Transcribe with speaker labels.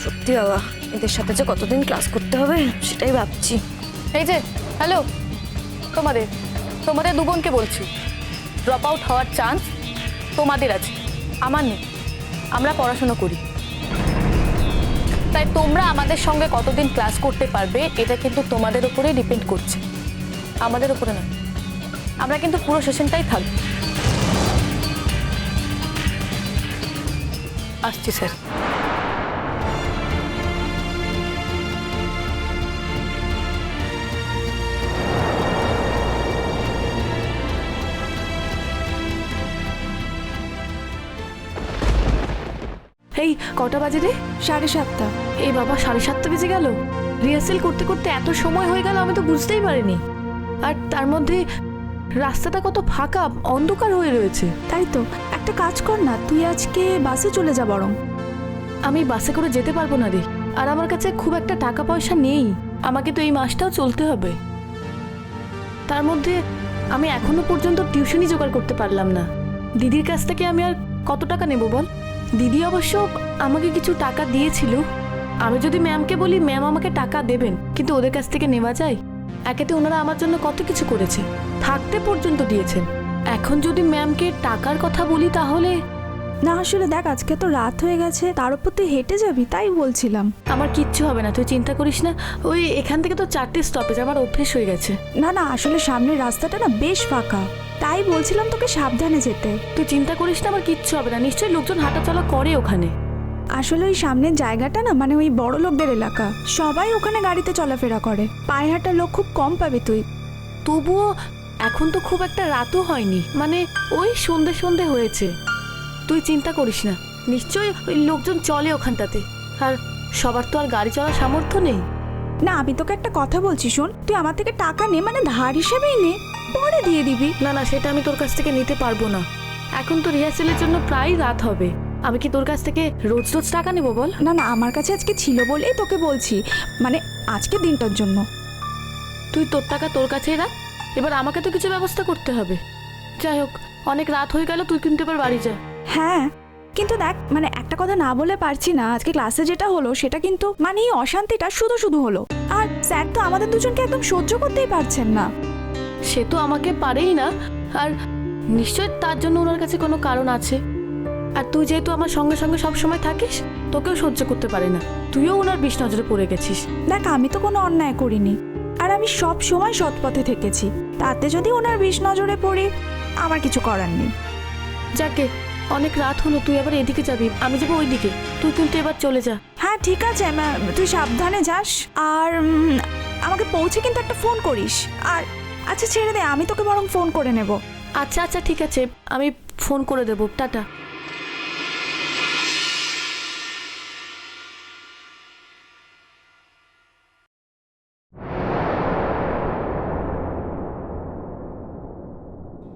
Speaker 1: সত্যি বাবা, এদের সাথে যে কতদিন ক্লাস করতে হবে সেটাই ভাবছি।
Speaker 2: এই যে হ্যালো, তোমাদের তোমাদের দু বোনকে বলছি, ড্রপ আউট হওয়ার চান্স তোমাদের আছে, আমার নেই। আমরা পড়াশোনা করি, তাই তোমরা আমাদের সঙ্গে কতদিন ক্লাস করতে পারবে এটা কিন্তু তোমাদের উপরেই ডিপেন্ড করছে, আমাদের উপরে না। আমরা কিন্তু পুরো সেশনটাই থাকবো। আসছি স্যার। এই কটা বাজে রে?
Speaker 3: 7:30।
Speaker 2: এই বাবা, 7:30 বেজে গেল। রিহার্সেল করতে করতে এত সময় হয়ে গেল, আমি তো বুঝতেই পারিনি। আর তার মধ্যে রাস্তাটা কত ফাঁকা, অন্ধকার হয়ে রয়েছে।
Speaker 3: তাই তো, একটা কাজ কর না, তুই আজকে বাসে চলে যা বরং।
Speaker 2: আমি বাসে করে যেতে পারবো না রে, আর আমার কাছে খুব একটা টাকা পয়সা নেই। আমাকে তো এই মাসটাও চলতে হবে। তার মধ্যে আমি এখনো পর্যন্ত টিউশনই জোগাড় করতে পারলাম না। দিদির কাছ থেকে আমি আর কত টাকা নেব বল? দিদি অবশ্য আমাকে কিছু টাকা দিয়েছিল। আমি যদি ম্যামকে বলি, ম্যাম আমাকে টাকা দেবেন, কিন্তু ওদের কাছ থেকে নেওয়া যায়? একেতে ওনারা আমার জন্য কত কিছু করেছে, থাকতে পর্যন্ত দিয়েছেন। এখন যদি ম্যামকে টাকার কথা বলি তাহলে
Speaker 3: না আসলে দেখ, আজকে তো রাত হয়ে গেছে, তার উপর তুই হেঁটে যাবি, তাই বলছিলাম।
Speaker 2: আমার কিচ্ছু হবে না, তুই চিন্তা করিস না। ওই এখান থেকে তো 4টে স্টপেজ, আমার অভ্যেস হয়ে গেছে।
Speaker 3: না না, আসলে সামনের রাস্তাটা না বেশ ফাঁকা, তাই বলছিলাম তোকে সাবধানে যেতে।
Speaker 2: তুই চিন্তা করিস না, আমার কিচ্ছু হবে না। নিশ্চয়ই লোকজন হাঁটাচলা করে ওখানে।
Speaker 3: আসলে ওই সামনের জায়গাটা না, মানে ওই বড় লোকদের এলাকা, সবাই ওখানে গাড়িতে চলাফেরা করে, পায়ে হাঁটার লোক খুব কম পাবে তুই।
Speaker 2: তবুও এখন তো খুব একটা রাতও হয়নি, মানে ওই সন্ধে সন্ধে হয়েছে। তুই চিন্তা করিস না, নিশ্চয়ই ওই লোকজন চলে ওখানটাতে। আর সবার তো আর গাড়ি চলার সামর্থ্য নেই।
Speaker 3: না, আমি তোকে একটা কথা বলছি, শোন, তুই আমার থেকে টাকা নে, মানে ধার হিসেবেই নে, পরে দিয়ে দিবি।
Speaker 2: না না, সেটা আমি তোর কাছ থেকে নিতে পারবো না। এখন তো রিহার্সেলের জন্য প্রায় রাত হবে। আমি কি তোর কাছ থেকে রোজ রোজ টাকা নেবো বল?
Speaker 3: না না, আমার কাছে আজকে ছিল বলেই তোকে বলছি, মানে আজকে দিনটার জন্য।
Speaker 2: তুই তোর টাকা তোর কাছেই রাখ, এবার আমাকে তো কিছু ব্যবস্থা করতে হবে। যাই হোক, অনেক রাত হয়ে গেল, তুই কিন্তু এবার বাড়ি যা।
Speaker 3: হ্যাঁ, কিন্তু দেখ, মানে একটা কথা না বলে পারছি না, আজকে ক্লাসে যেটা হলো সেটা কিন্তু মানে এই অশান্তিটা শুধু শুধু হলো, আর স্যার তো আমাদের দুজনকে একদম সহ্য করতেই পারছেন না।
Speaker 2: সে তো আমাকে পারেই না, আর নিশ্চয় তার জন্য ওনার কাছে কোনো কারণ আছে। আর তুই যেহেতু আমার সঙ্গে সঙ্গে সব সময় থাকিস, তোকেও সহ্য করতে পারে না। তুইও ওনার বিষ নজরে পড়ে গেছিস।
Speaker 3: দেখ, আমি তো কোনো অন্যায় করিনি, আর আমি সব সময় সৎ পথে থেকেছি, তাতে যদি ওনার বিষ নজরে পড়ি আমার কিছু করার নেই।
Speaker 2: যাকে, অনেক রাত হলো, তুই এবার এদিকে যাবি, আমি যাবো ওই দিকে। তুই কিন্তু এবার চলে যা।
Speaker 3: হ্যাঁ ঠিক আছে, তুই সাবধানে যাস, আর আমাকে পৌঁছে কিন্তু একটা ফোন করিস। আর আচ্ছা ছেড়ে দে, আমি তোকে বরং ফোন করে নেব।
Speaker 2: আচ্ছা আচ্ছা, ঠিক আছে, আমি ফোন করে দেবো। টাটা।